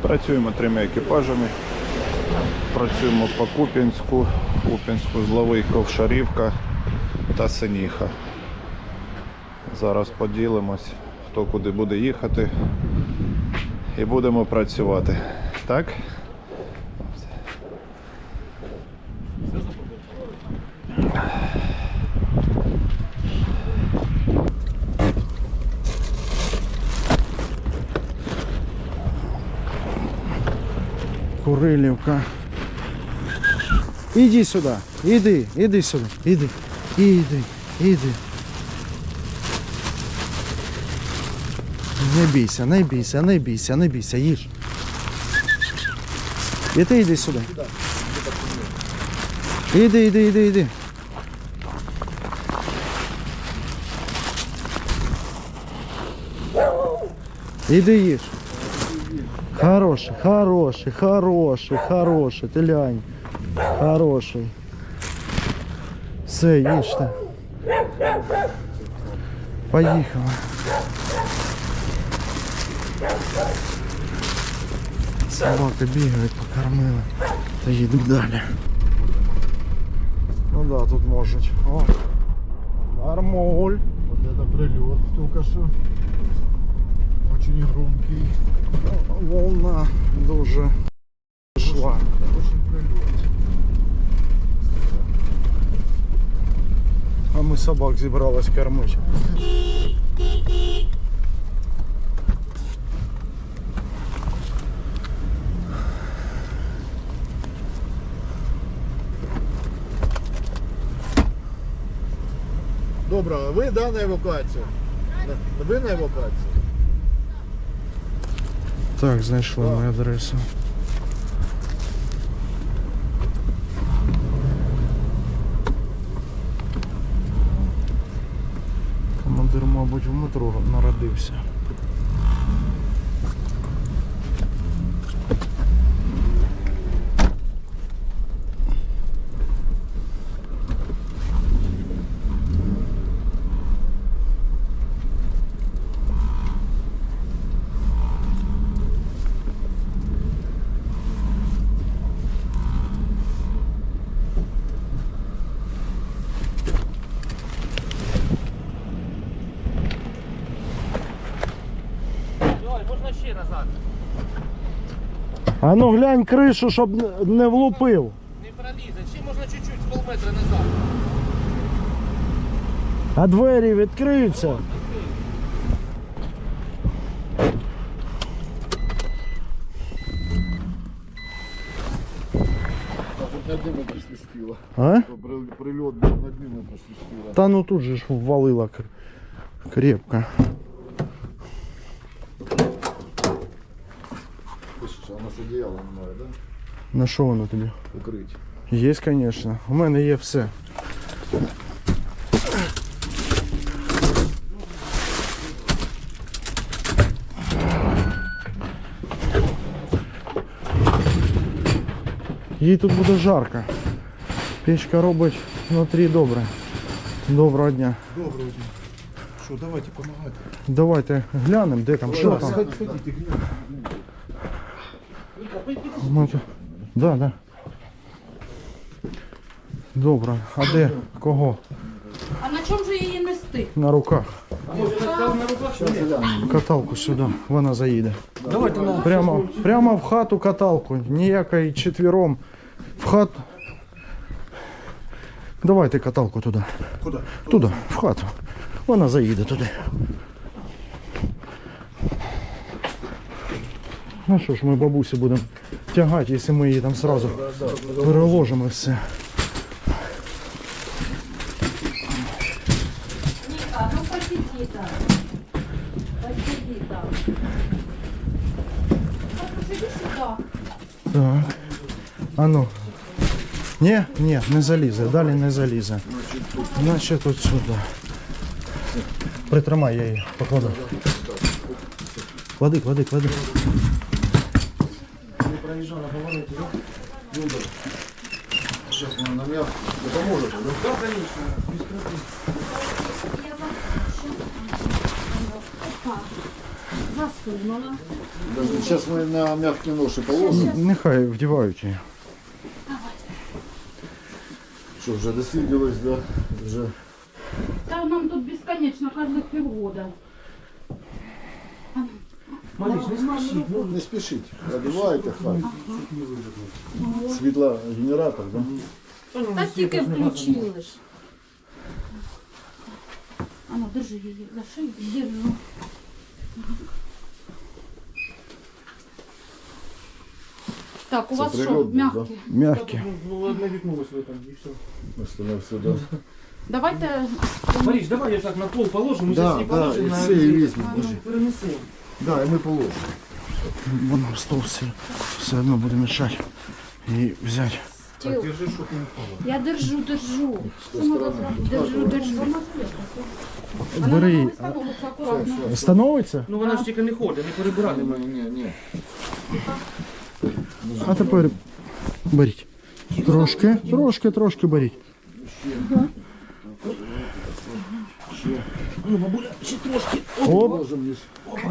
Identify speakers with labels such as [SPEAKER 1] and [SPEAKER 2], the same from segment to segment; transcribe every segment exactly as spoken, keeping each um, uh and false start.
[SPEAKER 1] Працюємо трьома екіпажами. Працюємо по Куп'янську, Куп'янську, Зловий, Ковшарівка та Синіха. Зараз поділимось, хто куди буде їхати, і будемо працювати. Так?
[SPEAKER 2] Курилівка. Іди сюди, іди, іди сюди, іди, іди, іди. Не бійся, не бійся, не бійся, не бійся, їж. І ти йди сюди. Іди, іди, іди, іди. Іди їж. Хороший, хороший, хороший, хороший, ти лянь. Хороший. Все, їжте. Поїхали. Собаки бігають, покормили. Та їдемо далі. Ну да, тут можуть. О, нормуль.
[SPEAKER 3] Вот это прилет только что. Очень громкий.
[SPEAKER 2] Волна дуже жила.
[SPEAKER 3] Очень прилет.
[SPEAKER 2] А ми собак зібрались кормити.
[SPEAKER 3] Доброго, ви, да, на евакуацію? Ви на евакуацію?
[SPEAKER 2] Так, знайшли мою адресу. Командир, мабуть, в метро народився. А ну глянь кришу, щоб не влупив.
[SPEAKER 4] Не пролізе, чи можна чуть-чуть з полметра назад.
[SPEAKER 2] А двері відкриються.
[SPEAKER 3] Над ними присвистіло.
[SPEAKER 2] А?
[SPEAKER 3] Прильот був, над ними присвистіло.
[SPEAKER 2] Та ну тут же ж ввалило крепко.
[SPEAKER 3] Слышиш, а у нас одіяла немає, да?
[SPEAKER 2] На що воно тобі?
[SPEAKER 3] Укрить.
[SPEAKER 2] Є, звісно. У мене є все. Їй тут буде жарко. Печка робить внутрі добре. Доброго дня.
[SPEAKER 3] Доброго дня. Що, давайте допомагати.
[SPEAKER 2] Давайте глянемо, де там, що там.
[SPEAKER 3] Ходіть,
[SPEAKER 2] Ми тут- Да, да. Добре. А де? Кого?
[SPEAKER 5] А на чому же її нести?
[SPEAKER 2] На руках.
[SPEAKER 3] глянемо.
[SPEAKER 2] Каталку сюди, вона заїде. Прямо, прямо в хату каталку, ніякої четвером. В хату. Давайте каталку туди.
[SPEAKER 3] Куди?
[SPEAKER 2] Туди, в хату. Вона заїде туди. Ну що ж, ми бабусю будемо тягати, якщо ми її там одразу переложимо і все.
[SPEAKER 5] Ніка, ну посиди там. Посиди там. Так, посиди сюди.
[SPEAKER 2] Так. А ну. Ні, ні, не залізе, далі не залізе. Значить тут сюди. Притримай, я її покладу. Клади, клади, клади.
[SPEAKER 3] Не проїжджав на повороті, да? Добре. Зараз вона нам я допоможе, да? Так, звісно.
[SPEAKER 5] Я за... Опа. За засунула.
[SPEAKER 3] Сейчас мы на мягкие ноши положим.
[SPEAKER 2] Нехай вдівають її.
[SPEAKER 3] Что, уже досиделось, да? Уже.
[SPEAKER 5] Та нам тут безконечно, кожних півгода.
[SPEAKER 4] Мариш, не спіши.
[SPEAKER 3] Ну, не спешите. Одевайте хай. Светло генератор, да?
[SPEAKER 5] Та тільки включили ж. А ну, держи її за шию, держу. Так, у
[SPEAKER 3] Це
[SPEAKER 5] вас що,
[SPEAKER 3] прильот був,
[SPEAKER 5] м'які?
[SPEAKER 2] Мягкі.
[SPEAKER 4] Ну, одне вікно ось в этом, і все.
[SPEAKER 3] Остальное все, да?
[SPEAKER 5] Давайте,
[SPEAKER 4] Мариш, давай я так на пол положим, ми
[SPEAKER 3] Да,
[SPEAKER 4] зараз не
[SPEAKER 3] да,
[SPEAKER 4] положимо
[SPEAKER 3] и
[SPEAKER 4] на...
[SPEAKER 3] все, и візьмемо.
[SPEAKER 4] Перенесемо.
[SPEAKER 3] Да, и мы положим.
[SPEAKER 2] Воно в стол все, все одно буде мішати. І взяти.
[SPEAKER 5] стіл.
[SPEAKER 4] Держи, щоб не впало.
[SPEAKER 5] Я держу, держу. Що можна зробити? Держу, держу. Вона
[SPEAKER 2] Бери.
[SPEAKER 5] на мене становиться акуратно.
[SPEAKER 2] Становиться?
[SPEAKER 4] Ну вона ж тільки не ходить, не перебирати.
[SPEAKER 3] Не, не, не.
[SPEAKER 2] А тепер беріть. Трошки, трошки, трошки беріть.
[SPEAKER 4] Ну, бабуля, ще трошки.
[SPEAKER 2] Оп,
[SPEAKER 3] Положим лишь.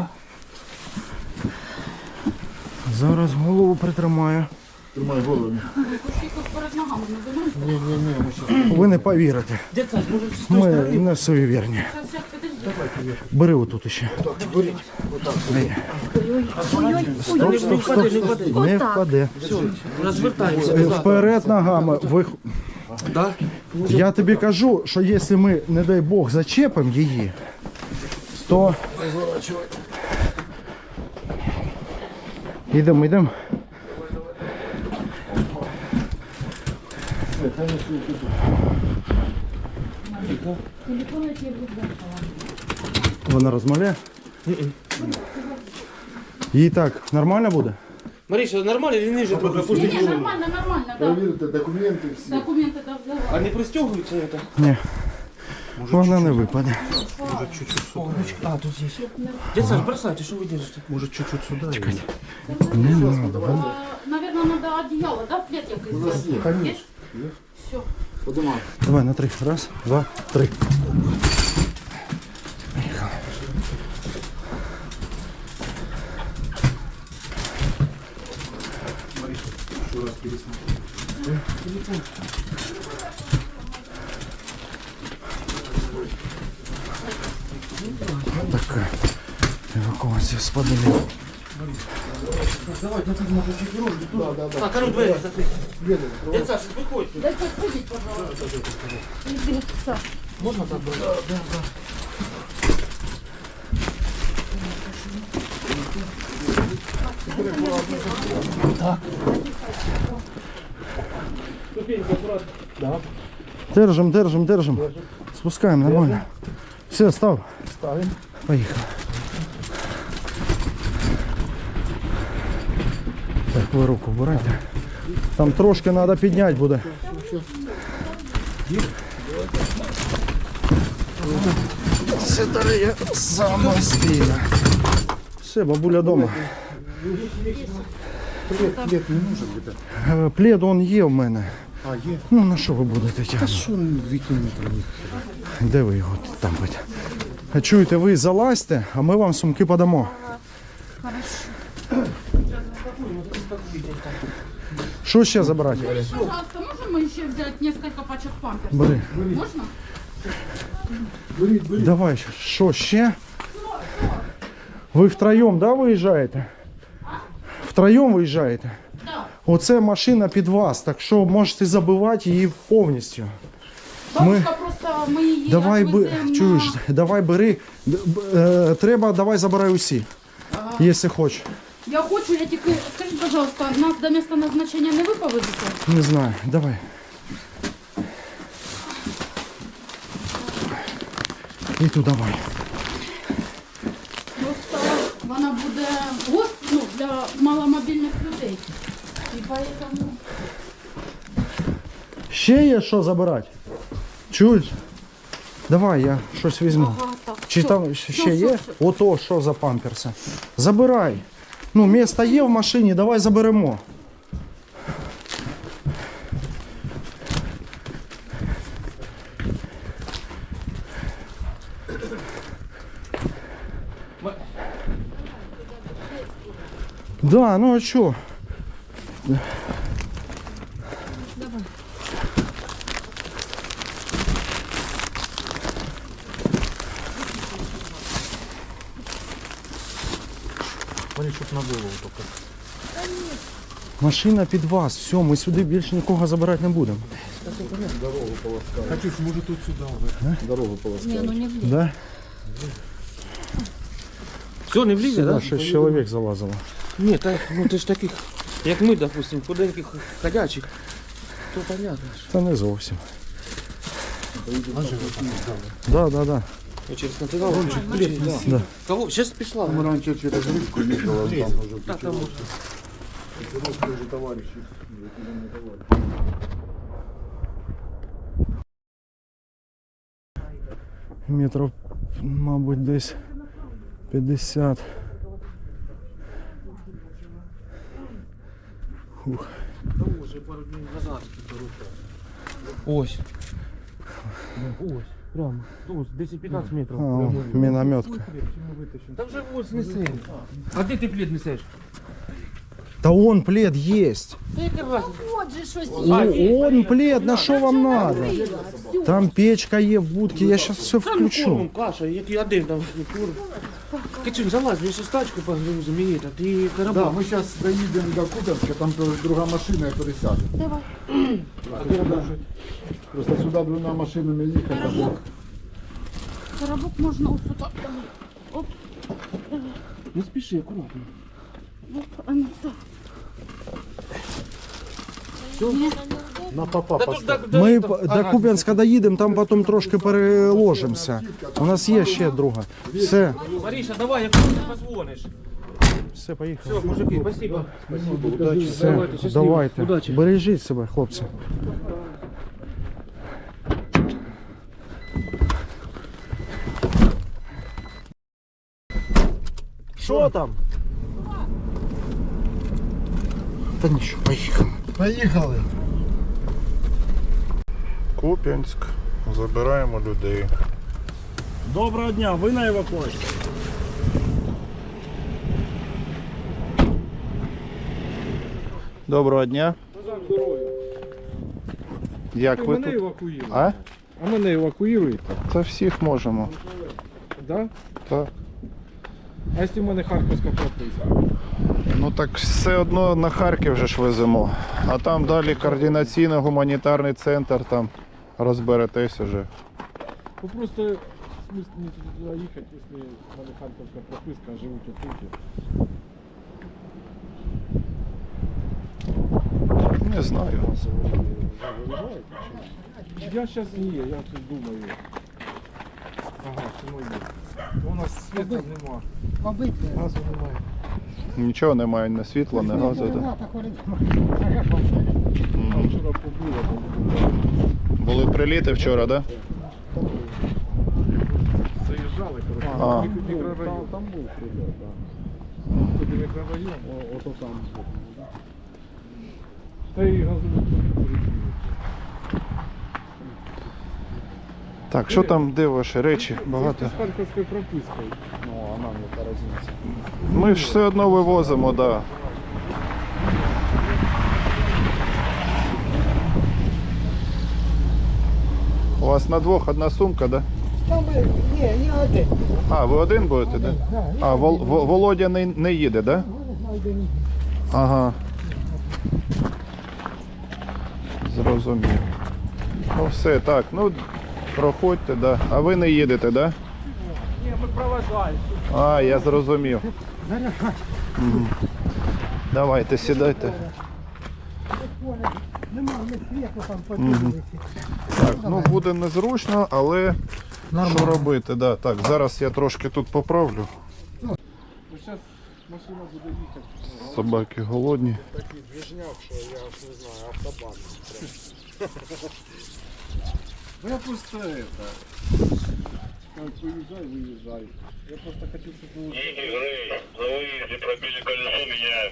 [SPEAKER 2] зараз голову притримаю.
[SPEAKER 3] Тримай голову.
[SPEAKER 5] Кушки тут перед ногами не думаєте?
[SPEAKER 3] Не, не, не, мы сейчас.
[SPEAKER 2] Ви не повірите.
[SPEAKER 4] Дядь Саш, може з тої
[SPEAKER 2] Ми
[SPEAKER 4] сторони?
[SPEAKER 2] не суєвірні.
[SPEAKER 5] Зараз, зараз, підожди.
[SPEAKER 2] Бери отут ще. Дай.
[SPEAKER 4] Стоп, не впаде, не впаде.
[SPEAKER 2] Не впаде.
[SPEAKER 4] Розвертаємося.
[SPEAKER 2] Е, Вперед ногами. Ви...
[SPEAKER 4] Да?
[SPEAKER 2] Я тобі кажу, що якщо ми, не дай Бог, зачепимо її, то... Йдемо, йдемо.
[SPEAKER 5] Телефон я тебе буду.
[SPEAKER 2] Вона розмовляє? Їй так нормально буде?
[SPEAKER 4] Мариша, нормально или ниже трохи?
[SPEAKER 5] Ні,
[SPEAKER 4] Опусти
[SPEAKER 5] ні, нормально, нормально, да.
[SPEAKER 3] Проверьте документы все.
[SPEAKER 5] Документи да, взяла.
[SPEAKER 4] А не пристегивается это?
[SPEAKER 2] Ні. Вона не випаде.
[SPEAKER 4] А, тут здесь. Дядь Саш, бросайте, что вы держите?
[SPEAKER 3] Может, чуть-чуть сюда.
[SPEAKER 2] Чекайте. Не надо.
[SPEAKER 5] А, наверное, надо одеяло, да, плед якийсь?
[SPEAKER 3] У нас есть.
[SPEAKER 5] Конечно. Все.
[SPEAKER 3] Поднимай.
[SPEAKER 2] Давай на три. Раз, два, три. Поїхали. Така евакуація з подолів.
[SPEAKER 4] Давай, ну тут можно четвером. Да, да, да. Так, а ну двери закрыть. Дядь Саш, выходите.
[SPEAKER 5] Дайте сходить, пожалуйста. Иди,
[SPEAKER 4] Можно так было? Да, да, да. Ступенька аккуратно. Да.
[SPEAKER 2] Держим, держим, держим. Спускаем нормально. Все, став.
[SPEAKER 3] Ставим.
[SPEAKER 2] Поїхали. Так, ви руку вбирайте. Там трошки треба підняти буде. Це дає самостійно. Все, бабуля вдома.
[SPEAKER 3] Плед, плед не нужен где-то.
[SPEAKER 2] Е, Плед он є в мене.
[SPEAKER 3] А, есть.
[SPEAKER 2] Ну на що ви будете тягнути?
[SPEAKER 3] Что он выкинет про них?
[SPEAKER 2] Де ви його там будете? А чуєте, ви залазьте, а ми вам сумки подамо. Що ще забрати?
[SPEAKER 5] Пожалуйста, можем мы еще взять несколько пачек памперсов?
[SPEAKER 2] Бери.
[SPEAKER 5] Можно?
[SPEAKER 3] Берите, берите.
[SPEAKER 2] Давай, що ще? Ви втроєм, да, виїжджаєте? Втроєм виїжджаєте?
[SPEAKER 5] Да.
[SPEAKER 2] Оце машина під вас, так що можете забивати її повністю.
[SPEAKER 5] Бабушка просто мы її
[SPEAKER 2] Давай, би,
[SPEAKER 5] відвеземо на-
[SPEAKER 2] чуєш, давай бери. Д- б- е, треба, давай забирай усі, якщо хочеш.
[SPEAKER 5] Я хочу, я тільки, скажіть, пожалуйста, нас до місця назначення не ви повезете?
[SPEAKER 2] Не знаю, давай. І ту давай.
[SPEAKER 5] Просто вона буде гост, ну, для маломобільних людей. І поэтому...
[SPEAKER 2] Ще є що забирати? Чуєш? Давай, я щось візьму.
[SPEAKER 5] Ага, так,
[SPEAKER 2] Чи
[SPEAKER 5] все.
[SPEAKER 2] там ще
[SPEAKER 5] Все,
[SPEAKER 2] є?
[SPEAKER 5] все, все.
[SPEAKER 2] Ото що за памперси. Забирай. Ну, місто є в машині, давай заберемо. Да, ну а что?
[SPEAKER 3] Смотри, чтоб на голову только.
[SPEAKER 2] Машина під вас, все, ми сюди більше нікого забирати не будемо.
[SPEAKER 3] Дорогу полоскали. Хочу, может, тут сюда. Дорогу полоскали.
[SPEAKER 5] Не, ну не влізе.
[SPEAKER 2] Да?
[SPEAKER 4] Все, не влізе,
[SPEAKER 2] Сюди
[SPEAKER 4] да?
[SPEAKER 2] шість чоловік залазило.
[SPEAKER 4] Ні, так, ну ти ж таких, як ми, допустим, худеньких ходячих, то понятно. ж.
[SPEAKER 2] Та не зовсім. Да, да, да.
[SPEAKER 4] Ну, через континент. Блін, да.
[SPEAKER 2] Да.
[SPEAKER 4] Кого? Сейчас пішла.
[SPEAKER 3] Мы раньше через речку ездили, а там уже
[SPEAKER 4] Так, там можна.
[SPEAKER 3] интересные уже товарищи. Закиданные товарищи.
[SPEAKER 2] Метрів, мабуть, десь п'ятдесят. Фух.
[SPEAKER 4] Уже пару днів назад. Ось. Ось, прямо. Ось, десять-п'ятнадцять метрів.
[SPEAKER 2] А, о, мінометка.
[SPEAKER 4] Та вже ось неси. А де ти плід несеш?
[SPEAKER 2] Та он плед есть.
[SPEAKER 4] Та яка разниця?
[SPEAKER 5] От же щось
[SPEAKER 2] О, он плед, на що вам надо?
[SPEAKER 5] є. Все.
[SPEAKER 2] Там печка є в будці, я зараз все включу.
[SPEAKER 4] Кормом каша, який один там кур. Кичун, залазь, ми ще стачку погрузимо і та ти
[SPEAKER 3] Да,
[SPEAKER 4] коробок.
[SPEAKER 3] мы сейчас доедем до Купенска, там тоже другая машина, я пересяду.
[SPEAKER 5] Давай.
[SPEAKER 3] Просто сюда двумя машинами ехать.
[SPEAKER 5] Коробок. Коробок можна ось сюди. Оп,
[SPEAKER 4] Не спіши, акуратно.
[SPEAKER 5] оп, а ну так.
[SPEAKER 3] На попа
[SPEAKER 4] Та тут, да, да,
[SPEAKER 2] Ми
[SPEAKER 4] да.
[SPEAKER 2] п-
[SPEAKER 4] Ага,
[SPEAKER 2] до Куп'янська доїдемо, там потім трошки переложимося. У нас є ще друга. Все,
[SPEAKER 4] Маріша, давай, як ти позвониш.
[SPEAKER 2] все, поїхали.
[SPEAKER 4] Все, мужики, спасибо.
[SPEAKER 2] Все,
[SPEAKER 4] Давайте, щасливо.
[SPEAKER 2] давайте.
[SPEAKER 4] Удачі.
[SPEAKER 2] Бережіть себе, хлопці. Що там? Та нічого, поїхали.
[SPEAKER 3] Поехали.
[SPEAKER 1] Куп'янськ. Забираємо людей.
[SPEAKER 6] Доброго дня, ви на евакуації?
[SPEAKER 1] Доброго дня. Як ви
[SPEAKER 6] Мене
[SPEAKER 1] тут?
[SPEAKER 6] евакуюєте.
[SPEAKER 1] А?
[SPEAKER 6] А мене евакуюєте?
[SPEAKER 1] Та всіх можемо.
[SPEAKER 6] Да?
[SPEAKER 1] Так.
[SPEAKER 6] А якщо в мене харківська прописка?
[SPEAKER 1] Ну так все одно на Харків же ж веземо. А там далі координаційний гуманітарний центр, там розберетесь уже.
[SPEAKER 6] Ну просто смысл не туди їхати, якщо в мене харківська прописка, а живуть отут.
[SPEAKER 1] Не знаю.
[SPEAKER 6] Я зараз не є, я тут думаю. Ага, чому є? У нас світла нема. Газу немає.
[SPEAKER 1] Нічого немає, ні світла, ні газу. Да?
[SPEAKER 6] Там вчора побило, там
[SPEAKER 1] Були приліти вчора, так? Да?
[SPEAKER 6] заїжджали, коротше.
[SPEAKER 1] А.
[SPEAKER 6] Мікрорайон. Там був прильот, так. Туди мікрорайон, о- ото там. Та й газову полетіли.
[SPEAKER 1] Так, що там, де ваші речі? Багато.
[SPEAKER 6] З харківською пропискою. Ну, а нам яка різниця.
[SPEAKER 1] Ми ж все одно вивозимо, так. Да. У вас на двох одна сумка, так? Да?
[SPEAKER 7] Ні, не один.
[SPEAKER 1] А, ви один будете, да? А, Вол, Во- Володя не, не їде, да? Ага. Зрозумів. Ну все, так, ну проходьте, да. А ви не їдете, да?
[SPEAKER 6] Ні, ми проважаємо.
[SPEAKER 1] А, я зрозумів. Мгм. Давайте, сідайте.
[SPEAKER 7] Нема, не світло там подивилися.
[SPEAKER 1] Так, ну буде незручно, але що робити, да. Так, зараз я трошки тут поправлю.
[SPEAKER 6] Ну, зараз машина буде їхати.
[SPEAKER 1] Собаки голодні.
[SPEAKER 3] Такий движняк, що я аж не знаю, автобан.
[SPEAKER 6] Ну я просто это... Как выезжай, выезжай. Я просто хочу, чтобы вы...
[SPEAKER 8] Заводите, пробили колесо, меняем.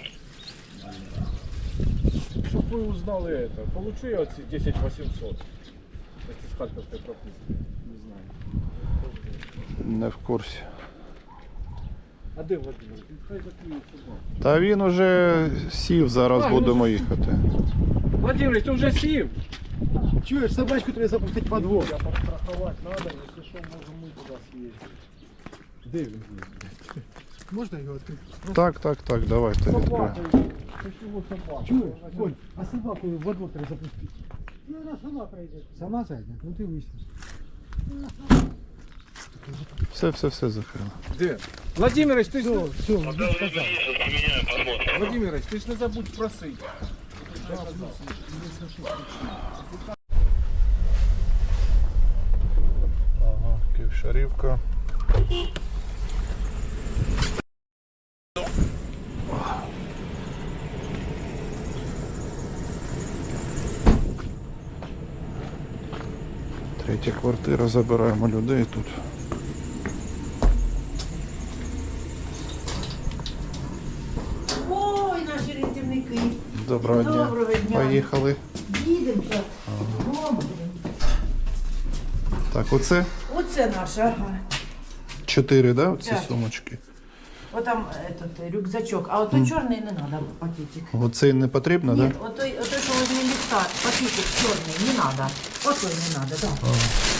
[SPEAKER 6] Чтобы вы узнали это. Получу я эти десять восемьсот. Это с харьковской прописки. Не знаю.
[SPEAKER 1] Не в курсі.
[SPEAKER 6] А де Владимир? Він хай закриє собаку.
[SPEAKER 1] Та він уже сів, зараз будемо їхати.
[SPEAKER 6] Владимир, ти вже сів?
[SPEAKER 3] Чуєш, собачку треба запустити по двох.
[SPEAKER 6] Я подстраховать надо, если что, можем мы туда съездить.
[SPEAKER 3] Де він? Можна його відкрити?
[SPEAKER 1] Так, так, так, давайте відкриємо.
[SPEAKER 6] Собака, почему собака?
[SPEAKER 3] Чуєш, Коль, а собаку во двор треба запустити.
[SPEAKER 7] Ну, вона сама прийде.
[SPEAKER 3] Сама зайде? Ну ти вийшли.
[SPEAKER 1] Все, все, все закрили.
[SPEAKER 6] Де? Владимирович, ти ж не...
[SPEAKER 3] Все,
[SPEAKER 8] Пока вы здесь, поменяем, посмотрим.
[SPEAKER 6] Владимирович, ти ж не забудь просити.
[SPEAKER 1] Ага, Київшарівка. Третя квартира, забираємо людей тут.
[SPEAKER 9] Ой, наші рятівники.
[SPEAKER 1] Доброго дня.
[SPEAKER 9] Доброго дня.
[SPEAKER 1] Поїхали.
[SPEAKER 9] Їдемо зараз. Додому.
[SPEAKER 1] Так, оце
[SPEAKER 9] Оце наша, ага.
[SPEAKER 1] чотири, да, оці
[SPEAKER 9] Так.
[SPEAKER 1] сумочки?
[SPEAKER 9] Отам этот, рюкзачок. А ото чорний не треба пакетик.
[SPEAKER 1] Оцей не потрібно,
[SPEAKER 9] Ні,
[SPEAKER 1] так? Да?
[SPEAKER 9] отой, отой, що возле ліфта, пакетик чорний, не треба. Отой не треба, так. Да.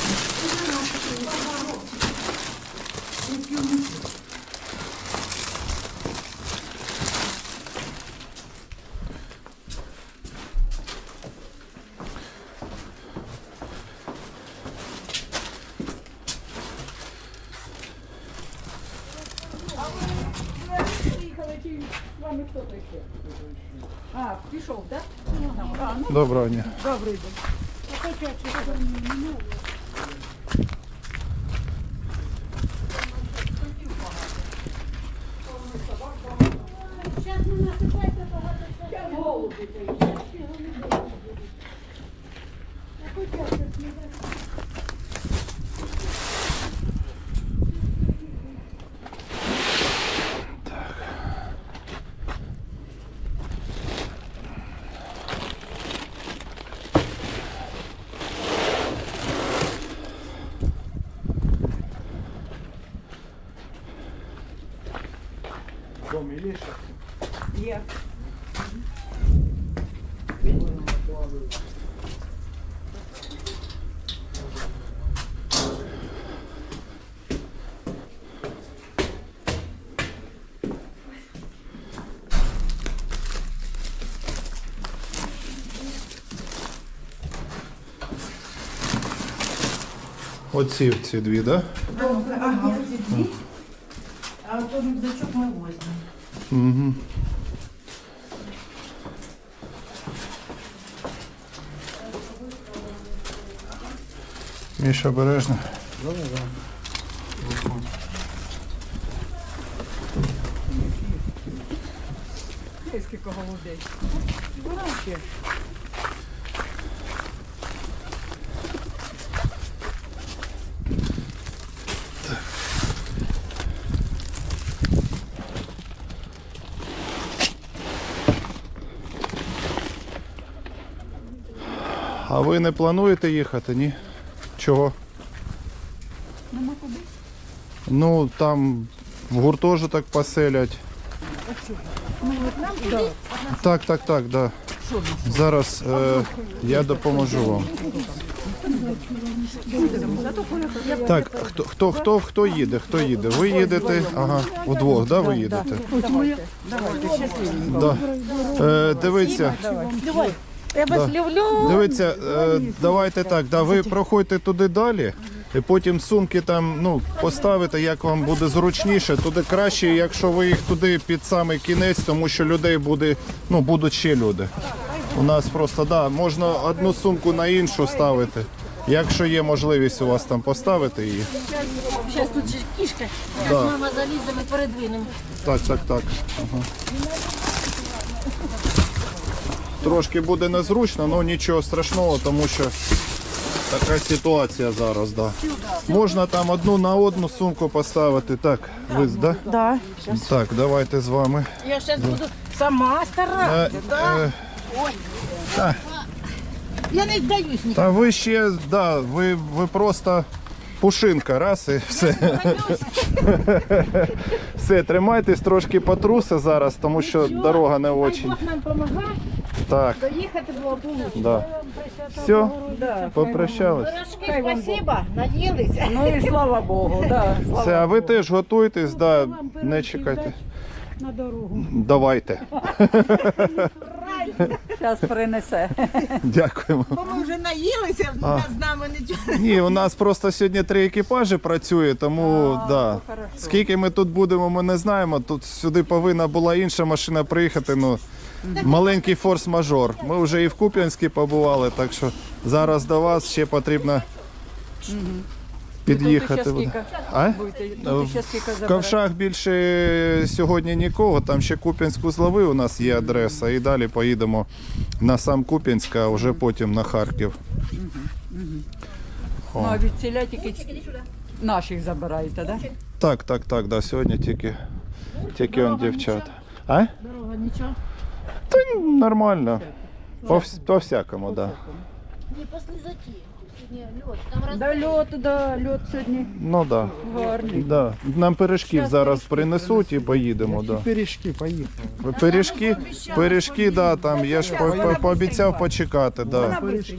[SPEAKER 5] А, пішов, так?
[SPEAKER 1] Доброго дня.
[SPEAKER 5] Добрий день.
[SPEAKER 6] Дом є ще?
[SPEAKER 9] Є.
[SPEAKER 1] Оці ці дві, так? Да?
[SPEAKER 9] Ага, ці дві. А ото рюкзачок ми возьмемо.
[SPEAKER 1] Угу. Міша, обережно.
[SPEAKER 7] Скільки голубей.
[SPEAKER 1] А ви не плануєте їхати, ні? Чого?
[SPEAKER 5] Нема куди?
[SPEAKER 1] Ну, там в гуртожиток поселять. Так, так, так, да. Зараз е, я допоможу вам. Так, хто, хто, хто, хто їде? Хто їде? Ви їдете? Ага, удвох, да, ви їдете? Да. Е, дивіться.
[SPEAKER 7] Я вас
[SPEAKER 1] Да.
[SPEAKER 7] люблю.
[SPEAKER 1] Дивіться, е, давайте так, да, ви проходьте туди далі, і потім сумки там ну, поставите, як вам буде зручніше. Туди краще, якщо ви їх туди під самий кінець, тому що людей буде, ну, будуть ще люди. У нас просто, да, можна одну сумку на іншу ставити. Якщо є можливість у вас там поставити її.
[SPEAKER 7] Зараз тут же кішка.
[SPEAKER 1] Да.
[SPEAKER 7] Мама заліземо і передвинемо.
[SPEAKER 1] Так, так, так. Ага. Трошки буде незручно, але нічого страшного, тому що така ситуація зараз, да. Можна там одну на одну сумку поставити. Так, ви, да?
[SPEAKER 7] Да.
[SPEAKER 1] Так, давайте з вами.
[SPEAKER 7] Я зараз буду сама
[SPEAKER 1] Е,
[SPEAKER 7] старатися. Да.
[SPEAKER 1] е,
[SPEAKER 7] Ой.
[SPEAKER 1] та,
[SPEAKER 7] Я не здаюсь ні.
[SPEAKER 1] та ви ще, да, ви, ви просто пушинка, раз і все. Все, тримайтесь, трошки потруси зараз, тому що дорога не очень.
[SPEAKER 5] Бог нам помагає
[SPEAKER 1] Так,
[SPEAKER 5] доїхати було получше.
[SPEAKER 1] да. Все, попрощались.
[SPEAKER 7] Спасибо, наїлися.
[SPEAKER 9] Ну і слава Богу, да.
[SPEAKER 1] Все, а ви теж готуйтесь, да, не чекайте.
[SPEAKER 5] На дорогу.
[SPEAKER 1] Давайте.
[SPEAKER 9] Зараз принесе.
[SPEAKER 1] Дякуємо.
[SPEAKER 7] Бо ми вже наїлися,
[SPEAKER 1] А.
[SPEAKER 7] з нами нічого.
[SPEAKER 1] Ні, у нас просто сьогодні три екіпажі працює, тому да. Скільки ми тут будемо, ми не знаємо. Тут сюди повинна була інша машина приїхати. Ну, маленький форс-мажор. Ми вже і в Куп'янській побували, так що зараз до вас ще потрібно під'їхати.
[SPEAKER 9] Тут ще скільки?
[SPEAKER 1] А?
[SPEAKER 9] Будете, тут ще скільки
[SPEAKER 1] В
[SPEAKER 9] заберете?
[SPEAKER 1] Ковшах більше сьогодні нікого, там ще Куп'янську злови у нас є адреса, і далі поїдемо на сам Куп'янськ, а вже потім на Харків.
[SPEAKER 9] Ну, а від ціля тільки наших забираєте, так? Да?
[SPEAKER 1] Так, так, так, да, сьогодні тільки, тільки он дівчата. А?
[SPEAKER 5] Дорога нічого.
[SPEAKER 1] Та ні, нормально. По, вс- по всякому, да.
[SPEAKER 5] Не після заті. Сьогодні льот. Там роз...
[SPEAKER 9] Да, льот, да, льот сьогодні
[SPEAKER 1] Ну да.
[SPEAKER 9] гарний.
[SPEAKER 1] Да. Нам пиріжків зараз принесуть і поїдемо. Да.
[SPEAKER 2] Пиріжки, поїхали.
[SPEAKER 1] Пиріжки, пиріжки, да, там я ж по- по- пообіцяв почекати, да.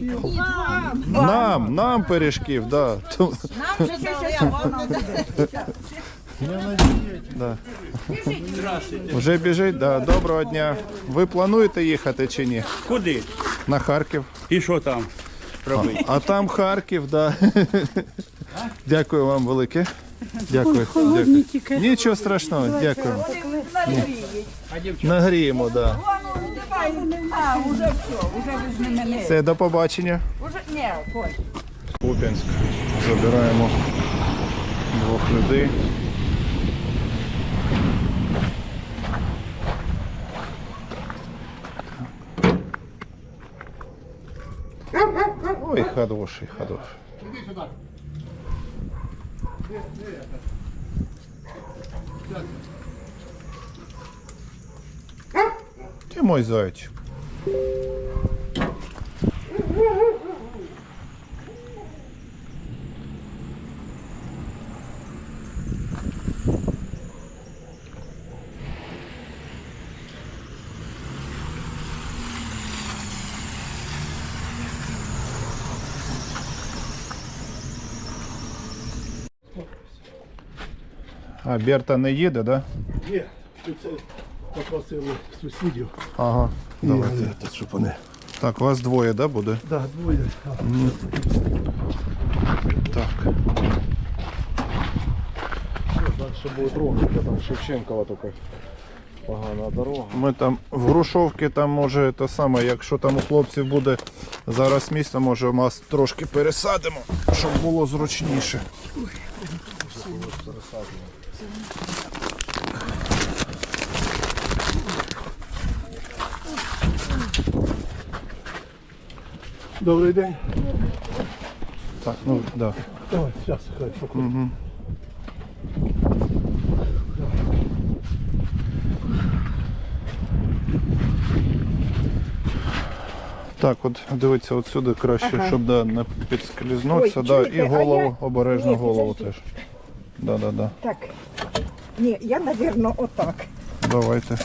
[SPEAKER 1] Нам, нам пиріжків, да. Ту-
[SPEAKER 7] Нам вже дали, а вам не дали.
[SPEAKER 1] Да. Вже біжить, да. Доброго дня. Ви плануєте їхати чи ні?
[SPEAKER 10] Куди?
[SPEAKER 1] На Харків.
[SPEAKER 10] І що там робити?
[SPEAKER 1] А там Харків, да. Дякую вам велике. Дякую. Дякую. Нічого страшного, дякую. Нагріємо, да.
[SPEAKER 9] А, уже все, уже ви з ними не.
[SPEAKER 1] Все, до побачення.
[SPEAKER 9] Уже, ні, Коль.
[SPEAKER 1] Куп'янськ. Забираємо двох людей. Ой, хороший, хороший. Ты мой зайчик. А Берта не їде, да?
[SPEAKER 3] Є, це попросили сусідів.
[SPEAKER 1] Ага. Давайте.
[SPEAKER 3] Давайте, щоб вони.
[SPEAKER 1] Так, вас двоє, да, буде?
[SPEAKER 3] Так, двоє.
[SPEAKER 1] Так.
[SPEAKER 3] Далі буде дорога, там Шевченкова така погана дорога.
[SPEAKER 1] Ми там в Грушовці, там може те саме, якщо там у хлопців буде зараз місце, може нас трошки пересадимо, щоб було зручніше.
[SPEAKER 3] Добрий день.
[SPEAKER 1] Так, ну да.
[SPEAKER 3] Давай, зараз, хай покажу.
[SPEAKER 1] Угу. Так, от дивіться, отсюди краще,
[SPEAKER 9] Ага.
[SPEAKER 1] щоб да, не підскользнутися,
[SPEAKER 9] Ой,
[SPEAKER 1] да,
[SPEAKER 9] чуєте,
[SPEAKER 1] і
[SPEAKER 9] а
[SPEAKER 1] голову,
[SPEAKER 9] я-
[SPEAKER 1] обережно
[SPEAKER 9] Ні,
[SPEAKER 1] голову
[SPEAKER 9] підожди.
[SPEAKER 1] теж. Да, да, да.
[SPEAKER 9] Так. Ні, я, мабуть, отак.
[SPEAKER 1] Давайте.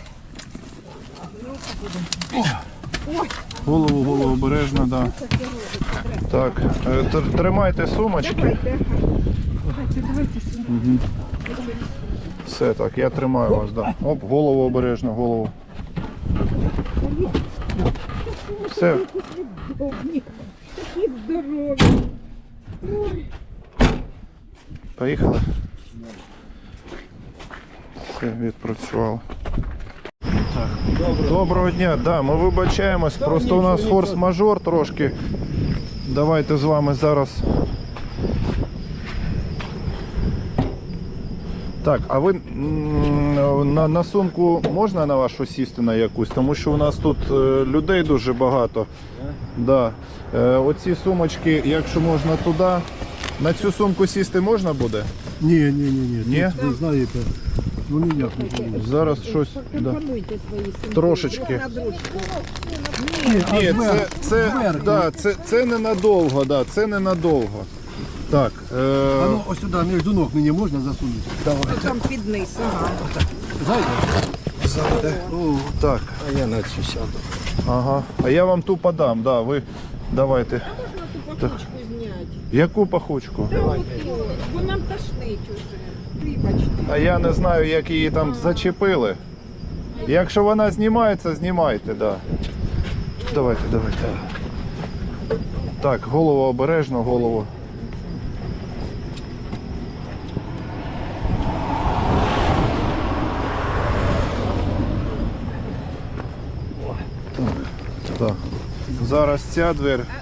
[SPEAKER 1] Голову, голову обережно, да. Так, е, тр- тримайте сумочки. Мгм. Все, так, я тримаю вас, да. Оп, голову обережно, голову. Все. Поїхали. Все, відпрацювало. Доброго дня, да, ми вибачаємось, просто у нас форс-мажор трошки. Давайте з вами зараз. Так, а ви м, на, на сумку можна на вашу сісти на якусь? Тому що у нас тут е, людей дуже багато. Да. Е, оці сумочки, якщо можна туди, на цю сумку сісти можна буде?
[SPEAKER 3] Ні, ні, ні, ні.
[SPEAKER 1] Ні?
[SPEAKER 3] Тут, ви знаєте, ну ніяк не буде.
[SPEAKER 1] Зараз щось да. Трошечки. Ні, це, це, да, це, це ненадовго, да, це ненадовго. Так, Е,
[SPEAKER 3] ну, ось сюди, між ног мені можна засунути? Давай.
[SPEAKER 7] Там під низ, ага.
[SPEAKER 3] Зайде.
[SPEAKER 1] О, так.
[SPEAKER 3] А я на цю сяду.
[SPEAKER 1] Ага. А я вам ту подам, да, ви давайте. Так. Яку пахучку?
[SPEAKER 7] Бо нам тошнить уже. Вибачте.
[SPEAKER 1] А я не знаю, як її там зачепили. Якщо вона знімається, знімайте, да. Давайте, давайте. Так, голову обережно, голову. Так, так. Зараз ця двір.